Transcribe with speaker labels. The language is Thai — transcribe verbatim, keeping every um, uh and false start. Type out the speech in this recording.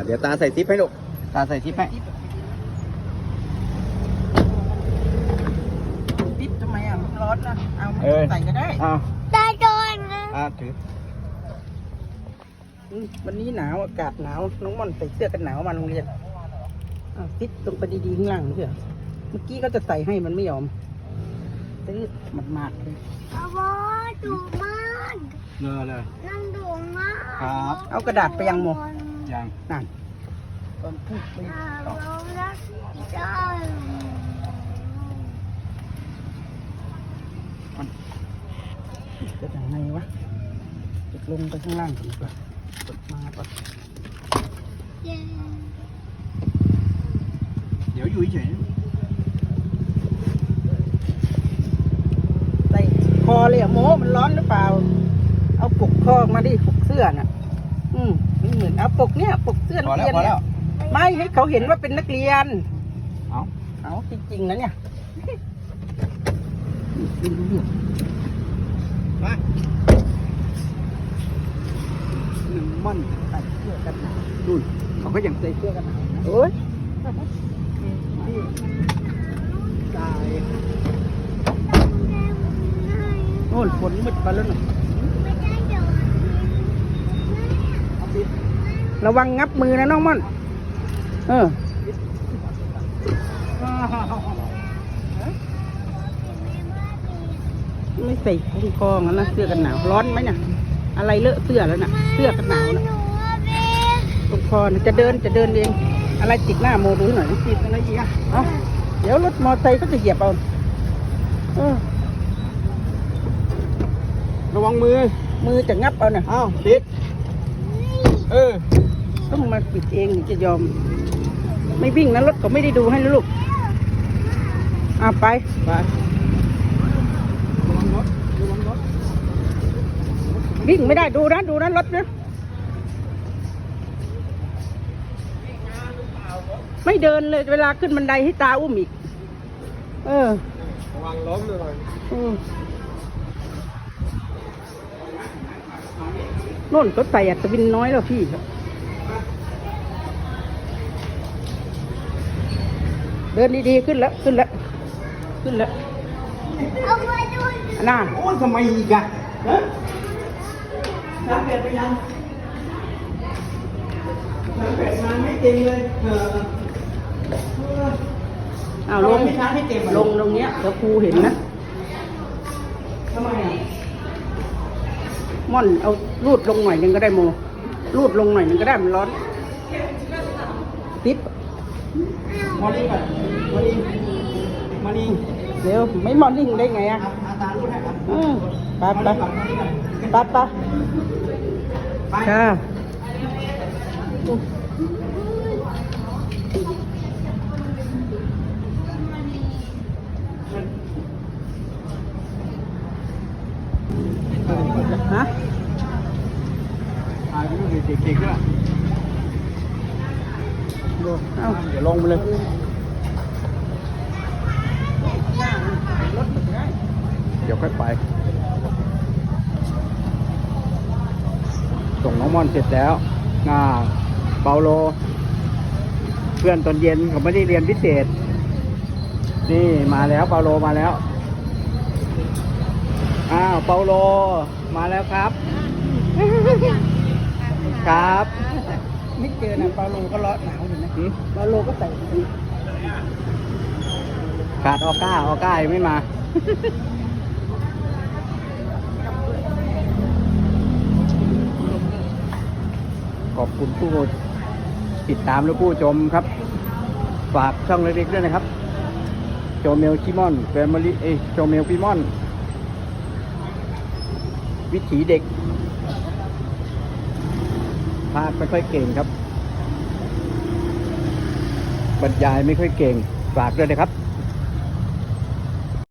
Speaker 1: เดี๋ยวตาใส่ทิปให้ลูกตาใส่ทิปให้
Speaker 2: ทิปทำไมอ่ะมันร้อนนะเอาใส่ก็ได้
Speaker 1: อ้าว
Speaker 3: ตาโดนนะ
Speaker 1: อ่าถือ
Speaker 2: วันนี้หนาวอากาศหนาวน้องม่อนใส่เสื้อกันหนาวมาโรงเรียนทิปตรงไปดีๆข้างล่างเถอะเมื่อกี้ก็จะใส่ให้มันไม่ยอมตื้อหมาดๆเลย
Speaker 3: เอาวะดุมาก
Speaker 1: เงอเลย
Speaker 3: นั่งดุมาก
Speaker 1: ครับ
Speaker 2: เอากระดาษไปยังโม
Speaker 1: ยัง
Speaker 2: นั่นตอนพูดไปต่อจะยังไงวะจะลงไปข้างล่างก่อนดีกว่ากดมาก่อน
Speaker 1: เดี๋ยวอยู่เฉย
Speaker 2: ใส่คอเลยอะโมมันร้อนหรือเปล่าเอาปกคอมาดิปกเสื้อน่ะอืมไม่เหมือนเอาปกเนี้ยปกเสื้อนักเรียนเนี่ยไม่ให้เขาเห็นว่าเป็นนักเรียน
Speaker 1: เอา
Speaker 2: เอาจริงๆนะเนี่ย
Speaker 1: มา
Speaker 2: หนึ่งม่อนใส่เสื้อกันหนาว
Speaker 1: ดูเขาก็ยังใส่เสื้อกันหนาว
Speaker 2: โอ้ยตายโน่นฝนมืดมาแล้วหน่อยระวังงับมือนะน้องม่อนเออไม่ใส่คุ้มคองั้นนะเสื้อกันหนาวร้อนไหมเนี่ยอะไรเลอะเสื้อแล้วน่ะเสื้อกันหนาวนะคุ้มคอจะเดินจะเดินเองอะไรติดหน้าโมดูหน่อยติดอะไรอีกอ่ะเอาเดี๋ยวรถมอเตอร์ไซค์ก็จะเหยียบเอาเออ
Speaker 1: ระวังมือ
Speaker 2: มือจะงับเอาน่ะ
Speaker 1: อ้าวติดเออ
Speaker 2: ต้องมาปิดเองจะยอมไม่วิ่งนะรถก็ไม่ได้ดูให้ลูกอ่ะไป
Speaker 1: ไประวังรถระวังรถ
Speaker 2: วิ่งไม่ได้ดูนะดูนะรถนะไม่เดินเลยเวลาขึ้นบันไดให้ตาอุ้มอีกเออ
Speaker 1: ระวังล้มเลย
Speaker 2: อืมโน่นก็ใส่อัตวินน้อยแล้วพี่เดินดีๆขึ้นแล้วขึ้นแล้วขึ้นแล้วน่า
Speaker 1: โอ้ยทำไมอีกอะฮะน้ำเป็ดไปยังน้ำเป็ดมันไม่เต็มเลยเออ
Speaker 2: เอาลงลงตรงเนี้ยเดี๋ยวครูเห็นนะ
Speaker 1: ทำไมอ่ะ
Speaker 2: ม่อนเอารูดลงหน่อยนึงก็ได้โมรูดลงหน่อยนึงก็ได้มันร้อนติ๊บ
Speaker 1: มอนิ่งก่อนมอนิ่งมอนิ่ง
Speaker 2: เดี๋ยวไม่มอนิ่งได้ไงอ่ะ
Speaker 1: อาจารย์รู้ได้ครับ
Speaker 2: อืมไปไปไปไปค่ะฮะ
Speaker 1: ถ่ายไปดูเด็กๆด้วย
Speaker 2: ดูเอ้า
Speaker 1: เดี๋ยวลงไปเลยเดี๋ยวค่อยไปส่งน้องม่อนเสร็จแล้วน่าเปาโลเพื่อนตอนเย็นเขาไม่ได้เรียนพิเศษนี่มาแล้วเปาโลมาแล้วอ้าวเปาโลมาแล้วครับครับ
Speaker 2: ไม่เจอนะเปาโลก็ร้อนหนาวอยู่นะเปาโลก็ใส่
Speaker 1: ขาดออก้าออก้ายังไม่มาขอบคุณผู้ติดตามและผู้ชมครับฝากช่องเล็กๆด้วยนะครับโจเมลชิมอนแฟมิลี่เอโจเมลฟิมอนวิถีเด็กพากไม่ค่อยเก่งครับบรรยายไม่ค่อยเก่งฝากด้วยนะครับ